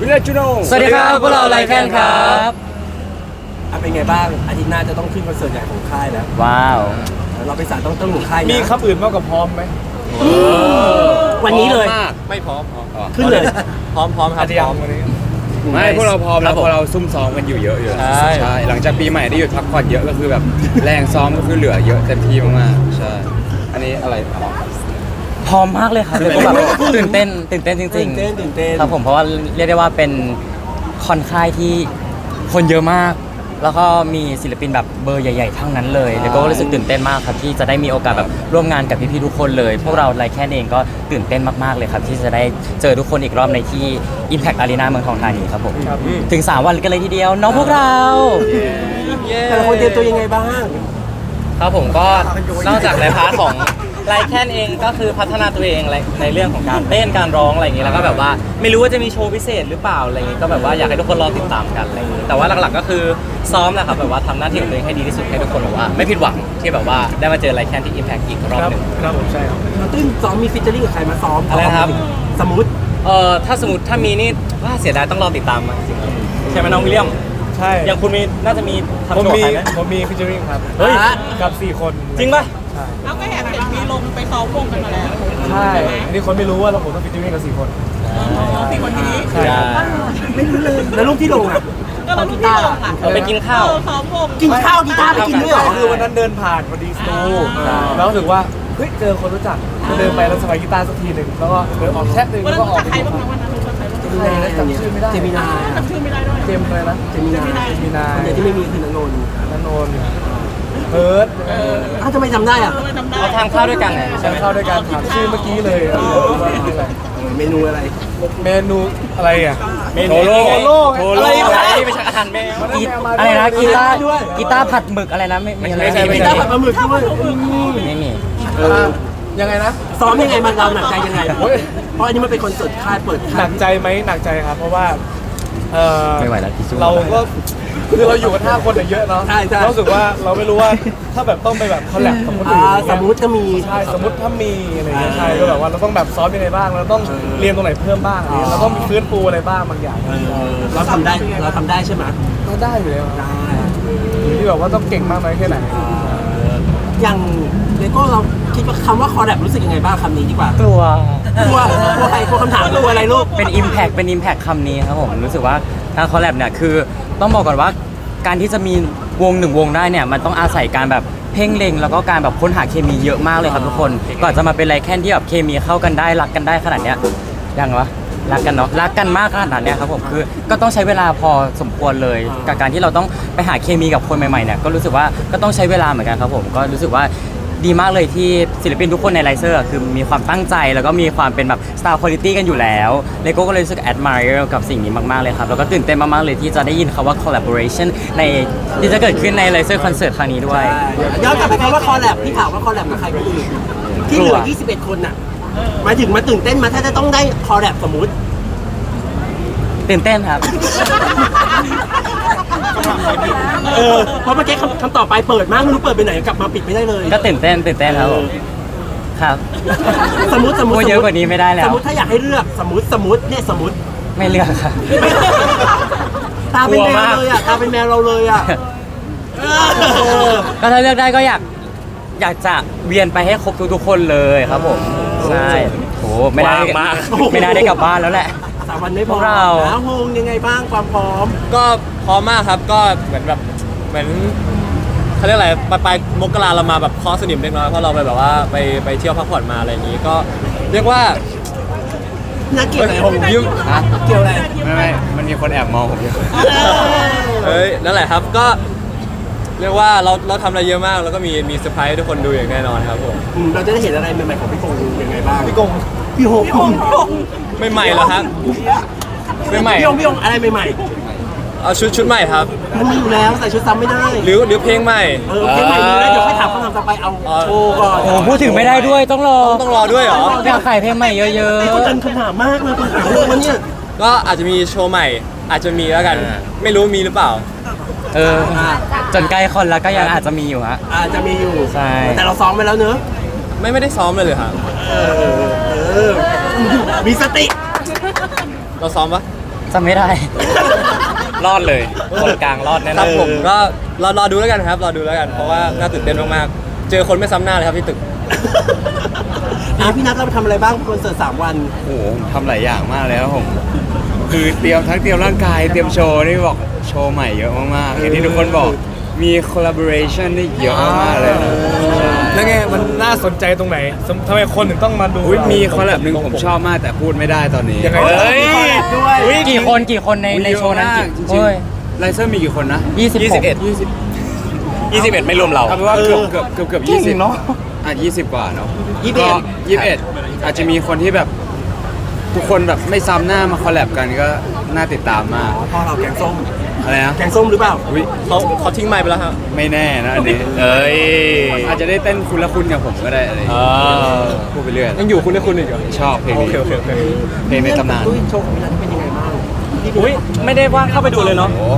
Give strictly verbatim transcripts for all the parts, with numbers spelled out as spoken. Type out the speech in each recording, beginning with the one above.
วิลเลจจูโนสวัสดีครับพวกเราไลแคนครับอ่ะเป็นไงบ้างอาทิตย์หน้าจะต้องขึ้นคอนเสิร์ตใหญ่ของค่ายแล้วว้าวเราไปสารต้องต้องหนุนค่ายนะมีคำอื่นมากกว่าพร้อมไหมวันนี้เลยไม่พร้อมขึ้นเลยพร้อมพร้อมครับพร้อมวันนี้ไม่พวกเราพร้อมแล้วพวกเราซุ่มซ้อมกันอยู่เยอะอยู่ใช่ใช่หลังจากปีใหม่ได้หยุดพักผ่อนเยอะก็คือแบบแรงซ้อมก็คือเหลือเยอะเต็มที่มากๆใช่อันนี้อะไรพร้อมมากเลยครับเลยก็แบบตื่นเต้นตื่นเต้นจริงๆตื่นเต้นตื่นเต้นครับผมเพราะว่าเรียกได้ว่าเป็นคอนค่ายที่คนเยอะมากแล้วก็มีศิลปินแบบเบอร์ใหญ่ๆทั้งนั้นเลยแล้วก็รู้สึกตื่นเต้นมากครับที่จะได้มีโอกาสแบบร่วมงานกับพี่ๆทุกคนเลยพวกเราไลแคนเองก็ตื่นเต้นมากๆเลยครับที่จะได้เจอทุกคนอีกรอบในที่ Impact Arena เมืองทองธานีครับผมถึงสามวันกันเลยทีเดียวน้องพวกเราแต่ละคนเตรียมตัวยังไงบ้างครับผมก็นอกจากในพาร์ทของไลแคนเองก็คือพัฒนาตัวเองในเรื่องของการเต้นการร้องอะไรอย่างนี้แล้วก็แบบว่าไม่รู้ว่าจะมีโชว์พิเศษหรือเปล่าอะไรอย่างนี้ก็แบบว่าอยากให้ทุกคนรอติดตามกันอะไรอย่างนี้แต่ว่าหลักๆก็คือซ้อมแหละครับแบบว่าทำหน้าที่ของตัวเองให้ดีที่สุดให้ทุกคนแบบว่าไม่ผิดหวังที่แบบว่าได้มาเจอไลแคนที่ Impact อีกรอบหนึ่งครับผมใช่ครับตื้นซ้อมมีฟิชเจอริ่งกับใครมาซ้อมอะไรครับสมมติเอ่อถ้าสมมติถ้ามีนี่ว่าเสียดายต้องรอติดตามมาจริงๆใช่ไหมน้องวิลเลียมใช่อย่างคุณมีน่าจะมีทำผมมีโจทย์ใครไหมผมมีฟิชเชอริงครับเฮ้ยกับสี่คนจริงป่ะเอาก็เห็นมีลงไปซ้อมวงกันมาแล้วใช่อันนี้คนไม่รู้ว่าเราผมต้องฟิชเชอริงกับสี่คนสี่คนนี้ใช่ไม่รู้เลยแล้วรูปที่ลงอ่ะก็เราที่ลงอ่ะเราไปกินข้าวซ้อมวงกินข้าวกีตาร์ไปกินด้วยเหรอคือวันนั้นเดินผ่านพอดีสตูแล้วรู้สึกว่าเฮ้ยเจอคนรู้จักก็เดินไปแล้วสบายกีตาร์สักทีหนึ่งแล้วก็เดินออกแชทหนึ่งแล้วก็ออกใครบ้างวันนั้นรู้จักใครบ้างใครนะจำชื่อไม่ได้เจมินาจำชื่อไม่ได้ด้วยเจมอะไรนะเจมินาเจมินาคนเดียวที่ไม่มีคือนนนท์นนนท์เพิร์ดอ้าวทำไมจำได้อ่ะเราทานข้าวด้วยกันไงใช่ข้าวด้วยกันถามชื่อเมื่อกี้เลยเมนูอะไรเมนูอะไรอ่ะเมนูโลโลอะไรไม่ใช่อาหารแมวอะไรนะกีตาร์กีตาร์ผัดหมึกอะไรนะไม่ไม่ใช่กีตาร์ผัดปลาหมึกด้วยไม่มียังไงนะซ้อมยังไงมันเราหนักใจยังไงเพราะอันนี้มันเป็นคอนเสิร์ตค่ายเปิดหนักใจไหมหนักใจครับเพราะว่าไม่ไหวแล้วเราก็คือเราอยู่กันห้าคนเยอะเนาะรู้สึกว่าเราไม่รู้ว่าถ้าแบบต้องไปแบบคอลแลบกับคนอื่นสมมติถ้ามีใช่สมมติถ้ามีอะไรเงี้ยใช่ก็แบบว่าเราต้องแบบซ้อมยังไงบ้างเราต้องเรียนตรงไหนเพิ่มบ้างอะไรเราต้องฟื้นฟูอะไรบ้างบางอย่างเราทำได้เราทำได้ใช่ไหมก็ได้อยู่แล้วได้ที่แบบว่าต้องเก่งมากน้อยแค่ไหนอย่างเลโก้เราคิดว่าคำว่าคอลแลบรู้สึกยังไงบ้างคำนี้ดีกว่ากลัวกลัวกลัวใครกลัวคำถามกลัวอะไรลูกเป็น Impact เป็น Impact คำนี้ครับผมรู้สึกว่าการคอลแลบเนี่ยคือต้องบอกก่อนว่าการที่จะมีวงหนึ่งวงได้เนี่ยมันต้องอาศัยการแบบเพ่งเล็งแล้วก็การแบบค้นหาเคมีเยอะมากเลยครับทุกคนก่อนจะมาเป็นไลแคนที่แบบเคมีเข้ากันได้รักกันได้ขนาดเนี้ยยังวะรักกันเนาะรักกันมากขนาดเนี้ยครับผมคือก็ต้องใช้เวลาพอสมควรเลยกับการที่เราต้องไปหาเคมีกับคนใหม่ๆเนี่ยก็รู้สึกว่าก็ต้องใช้เวลาเหมือนกันครับผมก็รู้สึกว่าดีมากเลยที่ศิลปินทุกคนในไลเซอร์คือมีความตั้งใจแล้วก็มีความเป็นแบบ Star Quality กันอยู่แล้วเลโก้ก็เลยรู้สึก admire กับสิ่งนี้มากๆเลยครับแล้วก็ตื่นเต้นมากๆเลยที่จะได้ยินคำว่า collaboration ในที่จะเกิดขึ้นในไลเซอร์คอนเสิร์ตครั้งนี้ด้วยย้อนกลับไปคำว่าคอลแลบที่ถามว่าคอลแลบกับใครคนอื่นที่เหลือยี่สิบเอ็ดคนน่ะหมายถึงมาตื่นเต้นมาถ้าจะต้องได้คอลแลบสมมุติตื่นเต้นครับเออเพราะเมื่อกี้คำต่อไปเปิดมากไม่รู้เปิดไปไหนกลับมาปิดไม่ได้เลยก็ตื่นเต้นตื่นเต้นครับครับสมมติสมมติเยอะกว่านี้ไม่ได้แล้วสมมติถ้าอยากให้เลือกสมมติสมมติเนี่ยสมมติไม่เลือกครับตาเป็นแมวเลยอ่ะตาเป็นแมวเราเลยอ่ะก็ถ้าเลือกได้ก็อยากอยากจะเวียนไปให้ครบทุกๆคนเลยครับผมใช่โหไม่ได้ไม่น่าได้กลับบ้านแล้วแหละสามวันไม่พอเราโฮงยังไงบ้างความพร้อมก็พร้อมมากครับก็เหมือนแบบเหมือนเขาเรียกอะไรปลายปลายมกราเรามาแบบคอสนิมเล็กน้อยเพราะเราไปแบบว่าไปไปเที่ยวพักผ่อนมาอะไรอย่างนี้ก็เรียกว่าน่าเกี่ยวอะไรผมยิ้มเกี่ยวอะไรไม่ไม่มันมีคนแอบมองผมอยู่เฮ้ยนั่นแหละครับก็เรียกว่าเราเราทำอะไรเยอะมากแล้วก็มีมีเซอร์ไพรส์ทุกคนดูอย่างแน่นอนครับผมเราจะได้เห็นอะไรใหม่ๆของพี่กงยังไงบ้างพี่กงพี่โฮพี่โฮไม่ใหม่เหรอครับไม่ใหม่พี่โฮพี่โฮอะไรใหม่ๆเอาชุดชุดใหม่ครับมันมีอยู่แล้วใส่ชุดซ้ำไม่ได้หรือหรือเพลงใหม่เออเพลงใหม่มีแล้วเดี๋ยวค่อยถามคำถามต่อไปเอาโชว์ก่อนโอ้พูดถึงไม่ได้ด้วยต้องรอต้องรอด้วยเหรออยากขายเพลงใหม่เยอะๆนี่คนจันคำถามมากเลยคนถามเรื่องวันนี้ก็อาจจะมีโชว์ใหม่อาจจะมีแล้วกันไม่รู้มีหรือเปล่าเออจนใกล้คนแล้วก็ยังอาจจะมีอยู่ฮะอาจจะมีอยู่ใช่แต่เราซ้อมไปแล้วเนอะไม่ไม่ได้ซ้อมเลยเลยครับเออมีสติเราซ้อมปะจำไม่ได้ รอดเลยคนกลางรอดแน่คน รับอนผมก็รอรอดูแล้วกันครับรอดูแล้วกันเพราะว่าน่าตื่นเต้นมากๆเจอคนไม่ซ้ำหน้าเลยครับที่ตึกอ่ะพี่นัทเราไปทำอะไรบ้างคอนเสิร์ตสามวันโอ้โหผมทำหลายอย่างมากเลยครับผม คือเตรียมทั้งเตรียมร่างกายเตรียมโชว์นี่บอกโชว์ใหม่เยอะมากๆอย่างที่ทุกคนบอกมี collaboration นี่เยอะมากๆเลยนะใช่แล้วไงมันน่าสนใจตรงไหนสมทำไมคนถึงต้องมาดูอุ๊ยมีคอลแลบหนึ่งผมชอบมากแต่พูดไม่ได้ตอนนี้ยังไงเฮ้ยด้วยอุ๊ยกี่คนกี่คนในในโชว์นั้นกี่จริงเฮ้ยๆไลเซอร์มีกี่คนนะยี่สิบหกยี่สิบยี่สิบเอ็ดไม่รวมเราเอาเป็นว่าเกือบเกือบเกือบเกือบยี่สิบเนาะอ่ะยี่สิบกว่าเนาะยี่สิบเอ็ดก็ยี่สิบเอ็ดอาจจะมีคนที่แบบทุกคนแบบไม่ซ้ำหน้ามาคอลแลบกันก็น่าติดตามมากพ่อเราแกงส้มอะไรนะแกงส้มหรือเปล่าอุ๊ยเขาเขาทิ้งไมค์ไปแล้วครับไม่แน่นะอันนี้เอ้ยอาจจะได้เต้นคุณละคุณกับผมก็ได้อะไรอย่างเงี้ยอ่าพูดไปเรื่อยยังอยู่คุณได้คุณอีกเหรอชอบเพลงโอนี้เคโอเคโอเคเพลงในตำนานตุ้ยโชว์ของพี่นัทเป็นยังไงบ้างพี่อุ้ยไม่ได้ว่างเข้าไปดูเลยเนาะโอ้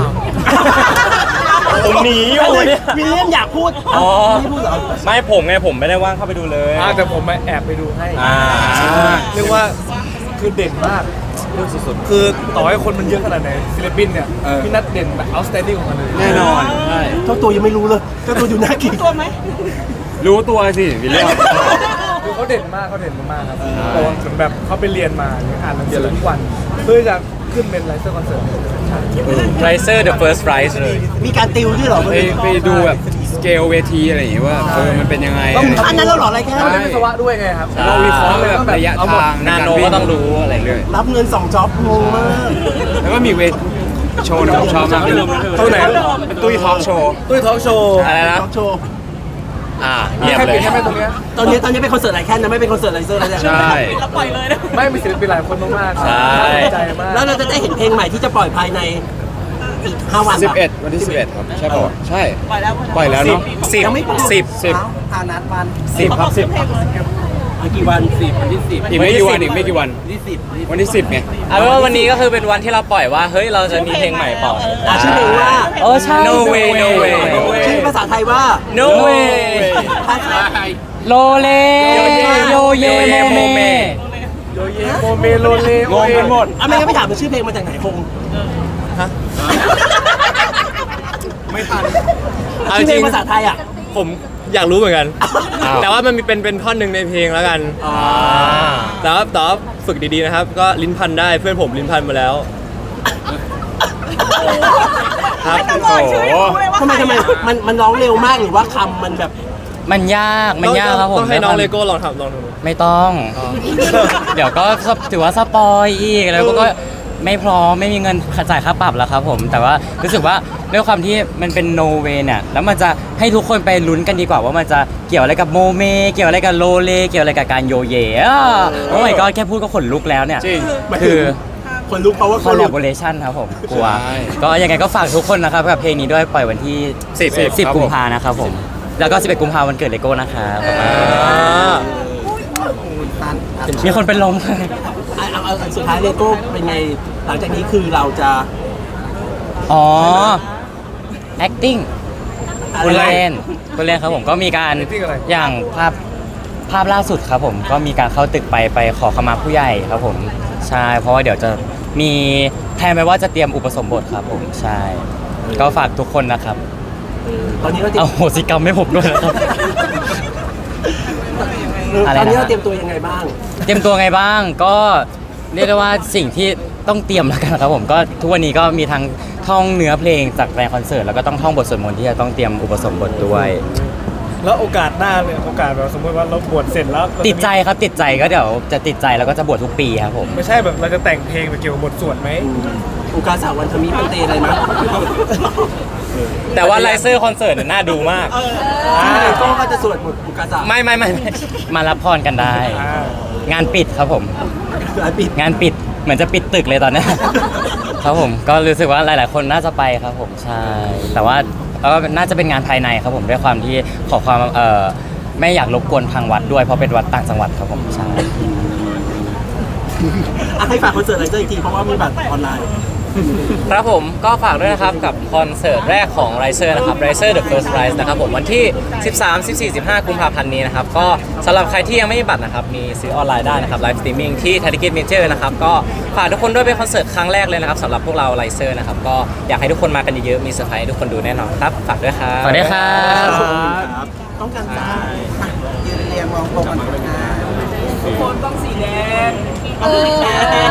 ผมหนีอยู่เนี่ยวิลเลียมอยากพูดอ๋อไม่พูดเหรอไม่ผมไงผมไม่ได้ว่างเข้าไปดูเลยอ่าแต่ผมมาแอบไปดูให้อ่าเรียกว่าคือเด่นมากเรื่องสุดๆคือต่อให้คนมันเยอะขนาดไหนศิลปินเนี่ยพี่นัทเด่นแบบ outstanding ของมันเลยแน่นอนใช่เจ้าตัวยังไม่รู้เลยเจ้าตัวอยู่หน้ากินตัวไหมรู้ตัวสิวิลเลียมคือเขาเด่นมากเขาเด่นมากๆครับเพราะว่าเหมือนแบบเขาไปเรียนมาเนี่ยอ่านหนังสือทุกวันเพื่อจะขึ้นเป็นไลเซอร์คอนเสิร์ตไรเซอร์ the first prize เลยมีการติวด้วยเหรอไปไปดูแบบสเกลเวทีอะไรอย่างเงี้ยว่าเออมันเป็นยังไงต้องอันนั้นเราเหรออะไรแค่เราเรียนวิศวะด้วยไงครับเราวิเคราะห์แบบระยะทางนาโนก็ต้องรู้อะไรเรื่อยรับเงินสองจ็อบงงมากแล้วก็มีเวทโชว์หนึงผมชอบมากเลยเท่าไหร่เป็นตุ้ยทอล์กโชว์ตุ้ยทอล์กโชว์อะไรนะจ็อบโชว์อ่ามีเงียบแค่เลเป็นยแค่ไม่ตรงเนี้ยตอนนี้ตอนนี้เป็นคอนเสิร์ตไลแคนนะไม่เป็นคอนเสิร์ตไลเซอร์แล้วเนี่ยใช่เราปล่อยเลยนะไม่มีศิลปินหลายคนมากๆใช่น่าสนใจมากแล้วเราจะได้เห็นเพลงใหม่ที่จะปล่อยภายในอีกห้าวันสิบเอ็ดวันที่สิบเอ็ดครับใช่ป่ะใช่ปล่อยแล้วปล่อยแล้วเนาะสิบยังไม่ปล่อยสิบสิบอานัดวันสิบครับสิบเพลงเลยเอากี่วันสิบวันที่สิบอีกไม่กี่วันอีกไม่กี่วันที่สิบวันที่สิบไงเอาเป็นว่าวันนี้ก็คือเป็นวันที่เราปล่อยว่าเฮ้ยเราจะมีเพลงใหม่ปล่อยอ่ะชื่อเพลงว่าเออใช่ no way no way ชื่อภาษาไทยว่า no way ภาษาไทยโลเลโยเยโมเมโยเยโมเมโลเลงงกันหมดอ่ะไม่งั้นไม่ถามว่าชื่อเพลงมาจากไหนคงไม่ทันเอาชื่อจเพลริงงภาษาไทยอ่ะผมอยากรู้เหมือนกันอ้าวแต่ว่ามันมีเป็นเป็นท่อนหนึ่งในเพลงแล้วกัน แต่ว่าแต่ว่าฝึกดีๆนะครับ ก็ลิ้นพันได้เพื่อนผมลิ้นพันมาแล้ว ครับแต่บอกชื่อยังรู้เลยว่าทำไมทำไมมันมันร้องเร็วมากหรือว่าคำมันแบบมันยากมันยากครับผมต้องให้น้องเลโก้ลองทำลองดูไม่ต้อง เดี๋ยวก็ถือว่าสปอยอีกแล้วก็ไม่พร้อมไม่มีเงินจ่ายค่าปรับแล้วครับผม แต่ว่ารู้สึกว่าด้วยความที่มันเป็นโนเวเนี่ยแล้วมันจะให้ทุกคนไปลุ้นกันดีกว่าว่ามันจะเกี่ยวอะไรกับโมเมเกี่ยวอะไรกับโลเลเกี่ยวอะไรกับการโยเยอ่ะโอ้ยก็แค่พูดก็ขนลุกแล้วเนี่ยจริงคือคนรู้เพราะว่าคคอน ลแลรู้บอเรชันครับผมกลัวใช่ก็ยังไงก็ฝากทุกคนนะครับกับเพลงนี้ด้วยปล่อยวันที่สิบสิบกุมภานะครับผมแล้วก็สิบเอ็ดกุมภาวันเกิดเลโก้นะครับมีคนเป็นลมเอาเอาเอาสุดท้ายเลโก้เป็นไงหลังจากนี้คือเราจะอ๋อ acting อะไรคุณเล่นคุณเล่นครับผมก็มีการ acting อะไรอย่างภาพภาพล่าสุดครับผมก็มีการเข้าตึกไปไปขอขมาผู้ใหญ่ครับผมใช่เพราะว่าเดี๋ยวจะมีแทนไปว่าจะเตรียมอุปสมบทครับผมใช่ ก็ฝากทุกคนนะครับตอนนี้เราเตรียเอามโหสิกรรมให้ผมด้วยนะครับ อะไรนะตอนนี้เราเตรียมตัวยังไงบ้างเตรียมตัวไงบ้างก็เรียกได้ว่าสิ่งที่ต้องเตรียมแล้วกันครับผมก็ทุกวันนี้ก็มีทั้งท่องเนื้อเพลงจากแฟนคอนเสิร์ตแล้วก็ต้องท่องบทสวดมนต์ที่จะต้องเตรียมอุปสมบทด้วยแล้วโอกาสหน้าเนี่ยโอกาสแบบสมมติว่าเราบวชเสร็จแล้วเราะติดใจครับติดใจก็เดี๋ยวจะติดใจแล้วก็จะบวชทุกปีครับผมไม่ใช่แบบเราจะแต่งเพลงไปเกี่ยวกับบทสวดไหมอุกาสาวันธมิมันเตอะไรนะแต่ว่าไลเซอร์คอนเสิร์ตน่าดูมากที่เลโก้ก็จะสวดบทอุกาสาไม่ไม่ไม่ไม่มารับพรกันได้อ่างานปิดครับผมคืออันปิดงานปิดเหมือนจะปิดตึกเลยตอนเนี้ย ครับผมก็รู้สึกว่าหลาย ๆ คนน่าจะไปครับผมใช่แต่ว่าก็น่าจะเป็นงานภายในครับผมด้วยความที่ขอความเอ่อไม่อยากรบกวนทางวัดด้วยเพราะเป็นวัดต่างจังหวัดครับผมใช่อ่ะให้ฝากคอนเสิร์ตไลเซอร์อีกทีเพราะว่ามีบัตรออนไลน์ครับผมก็ฝากด้วยนะครับกับคอนเสิร์ตแรกของ Riser นะครับ Riser The First Rise นะครับผมวันที่ สิบสาม สิบสี่ สิบห้า กุมภาพันธ์นี้นะครับก็สำหรับใครที่ยังไม่มีบัตรนะครับมีซื้อออนไลน์ได้นะครับไลฟ์สตรีมมิ่งที่ ไทย ทิกเก็ต เมเจอร์ นะครับก็ฝากทุกคนด้วยเป็นคอนเสิร์ตครั้งแรกเลยนะครับสำหรับพวกเรา Riser นะครับก็อยากให้ทุกคนมากันเยอะๆมีเซอร์ไพรส์ให้ทุกคนดูแน่นอนครับฝากด้วยครับสวัสดีครับต้องการจ้ายืนเรียงมองตรงกันนะทุกคนต้องสีแดงเออ